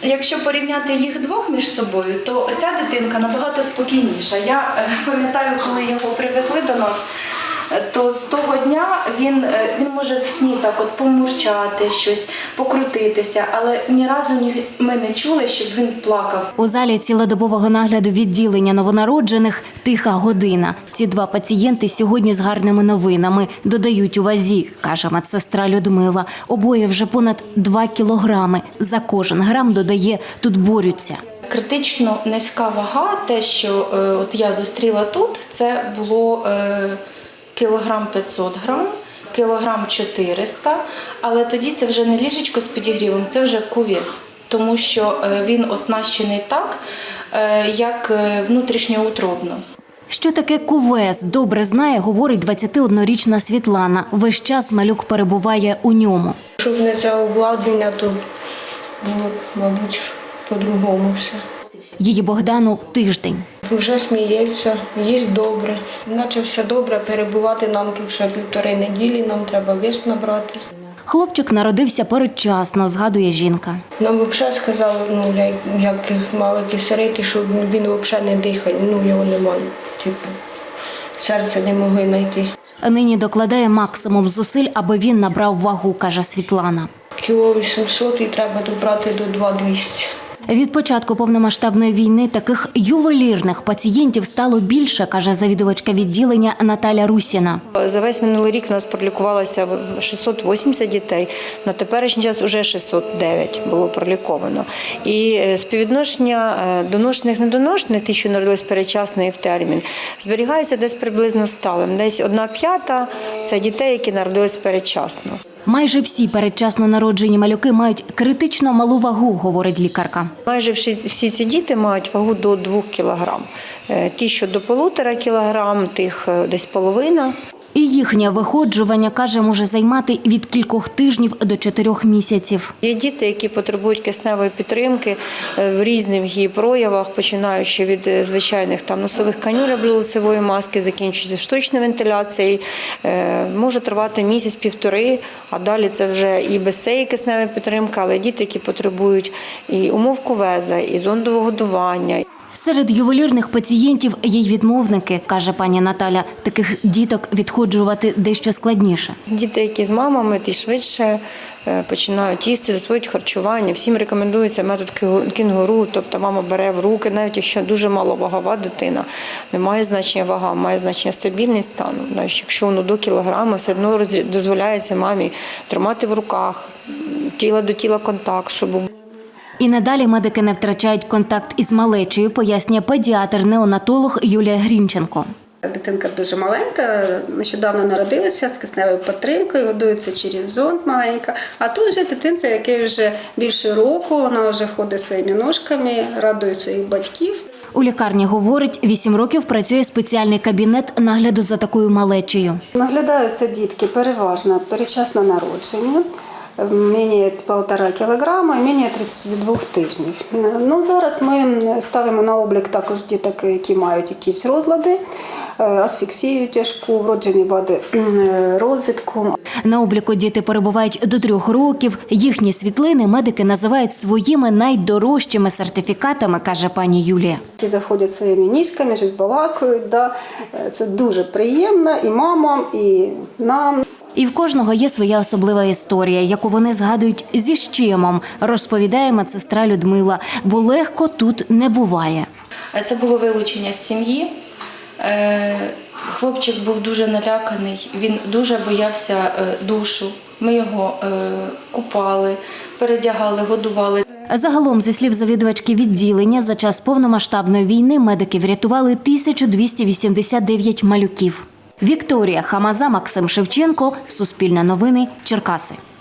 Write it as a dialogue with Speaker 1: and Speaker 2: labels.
Speaker 1: Якщо порівняти їх двох між собою, то ця дитинка набагато спокійніша. Я пам'ятаю, коли його привезли до нас, то з того дня він може в сні так от помурчати щось, покрутитися, але ні разу ми не чули, щоб він плакав.
Speaker 2: У залі цілодобового нагляду відділення новонароджених «Тиха година». Ці два пацієнти сьогодні з гарними новинами. Додають у вазі, каже медсестра Людмила. Обоє вже понад 2 кілограми. За кожен грам, додає, тут борються.
Speaker 1: Критично низька вага, те, що от я зустріла тут, це було кілограм 500 грам, кілограм 400, але тоді це вже не ліжечко з підігрівом, це вже кувес, тому що він оснащений так, як внутрішньоутробно.
Speaker 2: Що таке кувес, добре знає, говорить 21-річна Світлана. Весь час малюк перебуває у ньому.
Speaker 3: Щоб не це обладнання, то було, мабуть, по-другому все.
Speaker 2: Її Богдану тиждень.
Speaker 3: Вже сміється, їсть добре. Наче все добре, перебувати нам тут ще 1,5 неділі, нам треба вес набрати.
Speaker 2: Хлопчик народився передчасно, згадує жінка.
Speaker 3: Нам взагалі сказали, як мали кисарити, що він взагалі не дихає, його немає. Серце не могли знайти.
Speaker 2: Нині докладає максимум зусиль, аби він набрав вагу, каже Світлана.
Speaker 3: Кіло 800 і треба добрати до 2,200.
Speaker 2: Від початку повномасштабної війни таких ювелірних пацієнтів стало більше, каже завідувачка відділення Наталя Русіна.
Speaker 4: За весь минулий рік у нас пролікувалося 680 дітей, на теперішній час вже 609 було проліковано. І співвідношення доношених-недоношених, ті, що народились передчасно і в термін, зберігається десь приблизно сталим. Десь 1/5 – це дітей, які народились передчасно.
Speaker 2: Майже всі передчасно народжені малюки мають критично малу вагу, говорить лікарка.
Speaker 4: Майже всі ці діти мають вагу до 2 кг. Ті, що до 1,5 кг, тих десь половина.
Speaker 2: І їхнє виходжування, каже, може займати від кількох тижнів до 4 місяців.
Speaker 4: Є діти, які потребують кисневої підтримки в різних її проявах, починаючи від звичайних носових канюл або лицевої маски, закінчуючи штучною вентиляцією. Може тривати місяць-півтори, а далі це вже і без цієї кисневої підтримки, але діти, які потребують і умов кувеза, і зондового годування.
Speaker 2: Серед ювелірних пацієнтів є й відмовники, каже пані Наталя. Таких діток відходжувати дещо складніше.
Speaker 4: Діти, які з мамами, ті швидше починають їсти, засвоюють харчування. Всім рекомендується метод кінгуру, тобто мама бере в руки, навіть якщо дуже маловагова дитина. Не має значення вага, має значення стабільність стану. Якщо воно до кілограма, все одно дозволяється мамі тримати в руках, тіла до тіла контакт, щоб
Speaker 2: І надалі медики не втрачають контакт із малечею, пояснює педіатр-неонатолог Юлія Грінченко.
Speaker 5: Дитинка дуже маленька, нещодавно народилася з кисневою підтримкою, годується через зонд маленька. А тут вже дитинця, який вже більше року, вона вже ходить своїми ножками, радує своїх батьків.
Speaker 2: У лікарні, говорить, 8 років працює спеціальний кабінет нагляду за такою малечею.
Speaker 5: Наглядаються дітки переважно передчасно народжені. Менше 1,5 кілограма і менше 32 тижнів. Зараз ми ставимо на облік також діток, які мають якісь розлади, асфіксію тяжку, вроджені вади розвитку.
Speaker 2: На обліку діти перебувають до 3 років. Їхні світлини медики називають своїми найдорожчими сертифікатами, каже пані Юлія.
Speaker 5: Ті заходять своїми ніжками, щось балакають. Це дуже приємно і мамам, і нам.
Speaker 2: І в кожного є своя особлива історія, яку вони згадують зі щемом, розповідає медсестра Людмила, бо легко тут не буває.
Speaker 1: Це було вилучення з сім'ї. Хлопчик був дуже наляканий, він дуже боявся душу. Ми його купали, передягали, годували.
Speaker 2: Загалом, зі слів завідувачки відділення, за час повномасштабної війни медики врятували 1289 малюків. Вікторія Хамаза, Максим Шевченко, Суспільне новини, Черкаси.